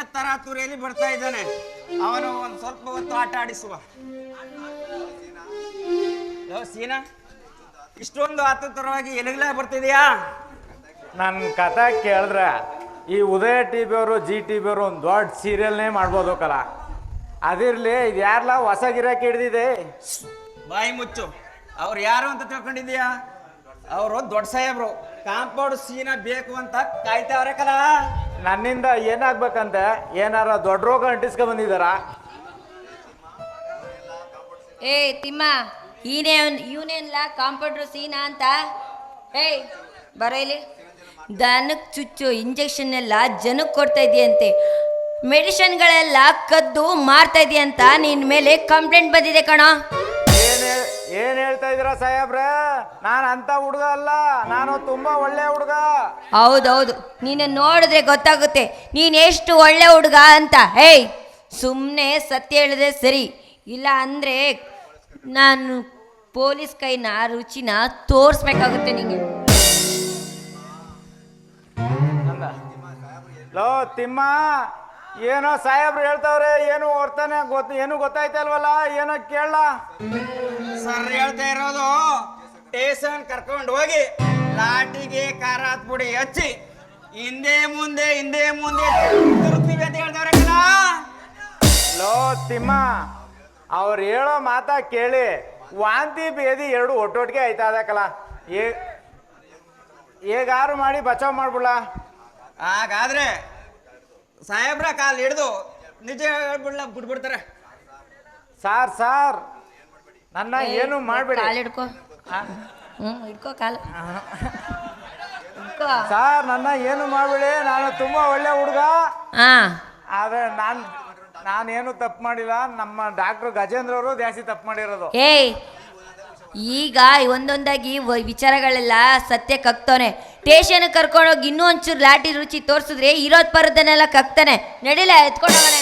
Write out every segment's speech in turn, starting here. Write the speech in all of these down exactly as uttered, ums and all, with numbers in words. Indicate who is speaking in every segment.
Speaker 1: ತರಾತುರಿಯಲ್ಲಿ ಬರ್ತಾ ಇದ್ದಾನೆ. ಅವನು ಒಂದ್ ಸ್ವಲ್ಪ ಹೊತ್ತು ಆಟ ಆಡಿಸುವ. ಯಾವ ಸೀನಾ ಇಷ್ಟೊಂದು ಆತುರವಾಗಿ ಎಲಗ್ಲಾ ಬರ್ತಿದ್ಯಾ?
Speaker 2: ನನ್ನ ಕಥೆ ಕೇಳಿದ್ರೆ ಈ ಉದಯ ಟಿ ವಿ ಅವರು ಜಿ ಟಿ ವಿ ಅವರು ಒಂದು ದೊಡ್ಡ ಸೀರಿಯಲ್ನೇ ಮಾಡ್ಬೋದಕ್ಕಲ್ಲ. ಅದಿರ್ಲಿ, ಇದು ಯಾರಲ್ಲ ಹೊಸ ಗಿರಾಕಿ ಹಿಡ್ದಿದೆ?
Speaker 1: ಬಾಯಿ ಮುಚ್ಚು. ಅವ್ರು ಯಾರು ಅಂತ ತಿಳ್ಕೊಂಡಿದ್ಯಾ? ಅವರು ದೊಡ್ಡ ಸಾಹೇಬ್ರು. ಕಾಂಪೌಂಡ್ ಸೀನಾ ಬೇಕು ಅಂತ ಕಾಯ್ತಾವ್ರೆ ಕಲ.
Speaker 2: ನನ್ನಿಂದ ಏನಾಗ್ಬೇಕಂತೆ? ಏನಾರ ದೊಡ್ಡ ರೋಗ ಅಂಟಿಸ್ಕೊ ಬಂದಿದ್ದಾರ?
Speaker 3: ಏ ತಿಮ್ಮ, ಈನೇ ಇವನೇನ್ಲ ಕಾಂಪೌಂಡ್ರು ಸೀನಾ ಅಂತ? ಏಯ್ ಬರೋ ಇಲ್ಲಿ. ದನಕ್ಕೆ ಚುಚ್ಚು ಇಂಜೆಕ್ಷನ್ ಎಲ್ಲ ಜನಕ್ಕೆ ಕೊಡ್ತಾ ಇದೆಯಂತೆ, ಮೆಡಿಸಿನ್ಗಳೆಲ್ಲ ಕದ್ದು ಮಾರ್ತಾ ಇದೆಯಂತ ನಿನ್ನ ಮೇಲೆ ಕಂಪ್ಲೇಂಟ್ ಬಂದಿದೆ ಕಣೋ.
Speaker 2: ಏನ್ ಏನ್ ಹೇಳ್ತಾ ಇದ್ದೀರಾ ಸಾಹೇಬ್ರ? ನಾನು ಅಂತ ಹುಡುಗ ಅಲ್ಲ, ನಾನು ತುಂಬಾ ಒಳ್ಳೆ ಹುಡುಗ.
Speaker 3: ಹೌದೌದು, ನೀನು ನೋಡಿದ್ರೆ ಗೊತ್ತಾಗುತ್ತೆ ನೀನು ಎಷ್ಟು ಒಳ್ಳೆ ಹುಡುಗ ಅಂತ. ಏಯ್ ಸುಮ್ಮನೆ ಸತ್ಯ ಹೇಳಿದ್ರೆ ಸರಿ, ಇಲ್ಲ ಅಂದರೆ ನಾನು ಪೊಲೀಸ್ ಕೈನ ರುಚಿನ ತೋರಿಸ್ಬೇಕಾಗುತ್ತೆ ನಿಂಗೆ.
Speaker 2: ಲೋ ತಿಮ್ಮ, ಏನೋ ಸಾಹೇಬ್ರು ಹೇಳ್ತಾವ್ರೆ, ಏನು ಹೊರ್ತಾನೆ ಗೊತ್ತ ಏನು ಗೊತ್ತಾಯ್ತಲ್ವಲ್ಲ, ಏನೋ ಕೇಳ.
Speaker 1: ಸರ್ ಹೇಳ್ತಾ ಇರೋದು, ಸ್ಟೇಷನ್ ಕರ್ಕೊಂಡು ಹೋಗಿ ಲಾಟಿಗೆ ಖಾರಾತ್ ಪುಡಿ ಹಚ್ಚಿ ಹಿಂದೆ ಮುಂದೆ ಹಿಂದೆ ಮುಂದೆ ತಿರುಗ್ತೀವಿ ಅಂತ ಹೇಳ್ತಾವ್ರೆ ಕಣ.
Speaker 2: ಲೋ ತಿಮ್ಮ, ಅವ್ರು ಹೇಳೋ ಮಾತಾ ಕೇಳಿ ವಾಂತಿ ಬೇದಿ ಎರಡು ಒಟ್ಟೊಟ್ಟಿಗೆ ಆಯ್ತಾ ಅದಕ್ಕಲ್ಲ. ಏ ಹೇಗಾರು ಮಾಡಿ ಬಚಾವ್ ಮಾಡ್ಬಿಡ.
Speaker 1: ಹಾಗಾದ್ರೆ ಸಾಹೇಬ್ರ ಕಾಲ್ ಹಿಡ್ದು ನಿಜ ಹೇಳ್ಬಿಡ್ಲ ಬಿಟ್ಬಿಡ್ತಾರೆ.
Speaker 2: ಸಾರ್ ಸಾರ್ ನನ್ನ ಏನು ಮಾಡ್ಬೇಡಿ.
Speaker 3: ಕಾಲು ಹಿಡ್ಕೋ. ಹ್ಞೂ ಹಿಡ್ಕೋ ಕಾಲು ಹಿಡ್ಕೋ.
Speaker 2: ಸಾರ್ ನನ್ನ ಏನು ಮಾಡ್ಬೇಡಿ, ನಾನು ತುಂಬಾ ಒಳ್ಳೆ ಹುಡುಗ.
Speaker 3: ಹಾಂ,
Speaker 2: ಆದ್ರೆ ನಾನು ನಾನೇನು ತಪ್ಪು ಮಾಡಿಲ್ಲ. ನಮ್ಮ ಡಾಕ್ಟರ್ ಗಜೇಂದ್ರ ಅವರು ಜಾಸ್ತಿ ತಪ್ಪು ಮಾಡಿರೋದು.
Speaker 3: ಏಯ್ ಈಗ ಒಂದೊಂದಾಗಿ ವ- ವಿಚಾರಗಳೆಲ್ಲ ಸತ್ಯ ಕಕ್ತವನೆ. ಸ್ಟೇಷನ್ ಕರ್ಕೊಂಡೋಗಿ ಇನ್ನೂ ಒಂಚೂರು ಲಾಟಿ ರುಚಿ ತೋರಿಸಿದ್ರೆ ಇರೋದ್ ಪರದನ್ನೆಲ್ಲ ಕಕ್ತಾನೆ. ನಡಿಲ ಎತ್ಕೊಂಡವನ.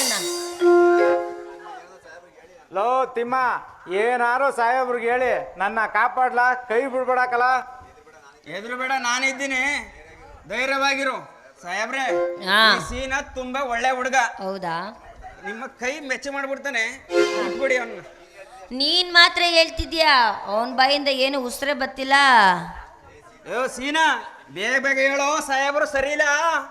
Speaker 2: ಲೋ ತಿಮ್ಮ, ಏನಾರು ಸಾಹೇಬ್ರಿಗೆ ಹೇಳಿ ನನ್ನ ಕಾಪಾಡ್ಲಾ, ಕೈ ಬಿಡ್ಬೇಡಕಲ್ಲ.
Speaker 1: ಎದುರು ಬೇಡ, ನಾನಿದ್ದೀನಿ, ಧೈರ್ಯವಾಗಿರು. ಸಾಹೇಬ್ರೆ,
Speaker 3: ಹಾ.
Speaker 1: ಈ ಸೀನಾ ತುಂಬಾ ಒಳ್ಳೆ ಹುಡುಗ.
Speaker 3: ಹೌದಾ?
Speaker 1: ನಿಮ್ಮ ಕೈ ಮೆಚ್ಚ ಮಾಡ್ಬಿಡ್ತಾನೆ, ಬಿಟ್ಬಿಡಿ ಅವನ್ನ.
Speaker 3: ನೀನ್ ಮಾತ್ರ ಹೇಳ್ತಿದ್ಯಾ, ಅವನ ಬಾಯಿಂದ ಏನು ಉಸಿರೇ ಬತ್ತಿಲ್ಲ.
Speaker 1: ಯೋ ಸೀನಾ, ಬೇಗ ಬೇಗ ಹೇಳೋ, ಸಾಹೇಬರು ಸರಿ ಇಲ್ಲ.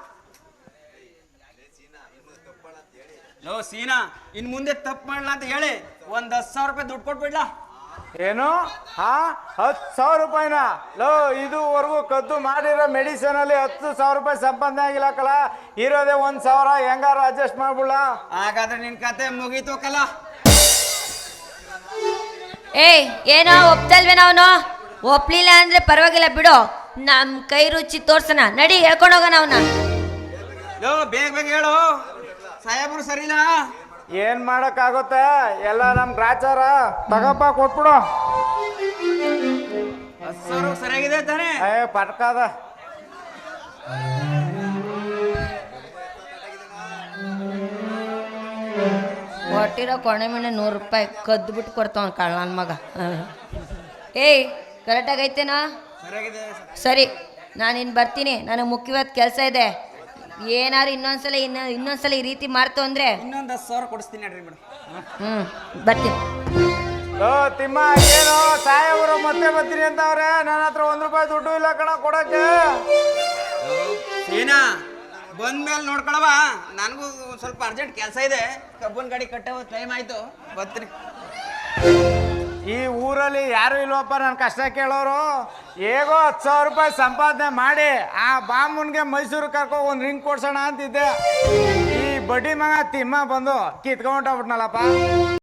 Speaker 1: ಲೋ ಸೀನಾ, ಇನ್ ಮುಂದೆ ತಪ್ಪು ಮಾಡ್ಲಾ ಅಂತ ಹೇಳಿ ಒಂದ್ ಹತ್ತು ಸಾವಿರ ರೂಪಾಯಿ ದುಡ್ಡು ಕೊಟ್ಬಿಡ್ಲಾ?
Speaker 2: ಏನು? ಹಾ, ಹತ್ತು ಸಾವಿರ ರೂಪಾಯಿನ? ಲೋ, ಇದುವರೆಗೂ ಕದ್ದು ಮಾಡಿರೋ ಮೆಡಿಸಿನ್ ಅಲ್ಲಿ ಹತ್ತು ಸಾವಿರ ರೂಪಾಯಿ ಸಂಪಾದನೆ ಆಗಿಲ್ಲಕಲ್ಲ. ಇರೋದೇ ಒಂದ್ ಸಾವಿರ, ಹೆಂಗಾರ ಅಡ್ಜಸ್ಟ್ ಮಾಡ್ಬಿಡ.
Speaker 1: ಹಾಗಾದ್ರೆ ನಿನ್ ಕತೆ ಮುಗೀತು ಕಲ.
Speaker 3: ಏಯ್ ಏನೋ ಒಪ್ತಲ್ವೇನ ಅವನು? ಒಪ್ಲಿಲ್ಲ ಅಂದ್ರೆ ಪರವಾಗಿಲ್ಲ ಬಿಡು, ನಮ್ ಕೈ ರುಚಿ ತೋರ್ಸನ. ನಡಿ ಹೇಳ್ಕೊಂಡೋಗೋಣ ಅವನ.
Speaker 1: ಯೋ ಬೇಗ ಬೇಗ ಹೇಳು, ಸಾಹೇಬರು ಸರಿ ಇಲ್ಲ.
Speaker 2: ಏನ್ ಮಾಡಕ್ಕಾಗುತ್ತೆ, ಎಲ್ಲ ನಮ್ ಗ್ರಾಚಾರ. ತಗಪ್ಪ ಕೊಟ್ಬಿಡು.
Speaker 1: ಹತ್ತು ಸಾವಿರ ಸರಿಯಾಗಿದೆ ತಾನೆ?
Speaker 2: ಏ ಪಟ್ಕಾದ.
Speaker 3: ಕೊಟ್ಟಿರೋ ಕೊನೆ ಮನೆ ನೂರು ರೂಪಾಯಿ ಕದ್ದು ಬಿಟ್ಟು ಕೊಡ್ತಾವ ಕಳ್ಳ ನನ್ನ ಮಗ. ಏಯ್ ಕರೆಕ್ಟಾಗಿ ಐತೇನಾ?
Speaker 1: ಸರಿಯಾಗಿದೆ.
Speaker 3: ಸರಿ, ನಾನು ಇನ್ನು ಬರ್ತೀನಿ, ನನಗೆ ಮುಖ್ಯವಾದ ಕೆಲಸ ಇದೆ. ಏನಾರು ಇನ್ನೊಂದ್ಸಲ ಇನ್ನು ಇನ್ನೊಂದ್ಸಲ ಈ ರೀತಿ ಮಾಡ್ತು ಅಂದರೆ
Speaker 1: ಇನ್ನೊಂದು ಹತ್ತು ಸಾವಿರ ಕೊಡಿಸ್ತೀನಿ ನಡ್ರಿ ಮೇಡಮ್.
Speaker 3: ಹ್ಞೂ ಬರ್ತೀನಿ.
Speaker 2: ಲೋ ತಿಮ್ಮ, ಏನು ಸಾಹೇಬ್ರು ಮತ್ತೆ ಬರ್ತೀನಿ ಅಂತವ್ರೆ, ನನ್ನ ಹತ್ರ ಒಂದ್ ರೂಪಾಯಿ ದುಡ್ಡು ಇಲ್ಲ ಕಣ ಕೊಡಕ್ಕೆ.
Speaker 1: ಸೀನಾ ಬಂದ್ಮೇಲೆ ನೋಡ್ಕೊಳವ, ನನಗೂ ಸ್ವಲ್ಪ ಅರ್ಜೆಂಟ್ ಕೆಲಸ ಇದೆ. ಕಬ್ಬನ್ ಗಾಡಿ ಕಟ್ಟೋ ಟೈಮ್ ಆಯ್ತು, ಬರ್ತೀನಿ.
Speaker 2: ಈ ಊರಲ್ಲಿ ಯಾರು ಇಲ್ವಪ್ಪ ನನ್ನ ಕಷ್ಟ ಕೇಳೋರು. ಹೇಗೋ ಹತ್ತು ಸಾವಿರ ರೂಪಾಯಿ ಸಂಪಾದನೆ ಮಾಡಿ ಆ ಬಾಮುನ್ಗೆ ಮೈಸೂರು ಕರ್ಕೊ ಒಂದು ರಿಂಗ್ ಕೊಡ್ಸೋಣ ಅಂತಿದ್ದೆ. ಈ ಬಡ್ಡಿ ಮಗ ತಿಮ್ಮ ಬಂದು ಕಿತ್ಕೊಂಡ್ಬಿಟ್ನಲ್ಲಪ್ಪ.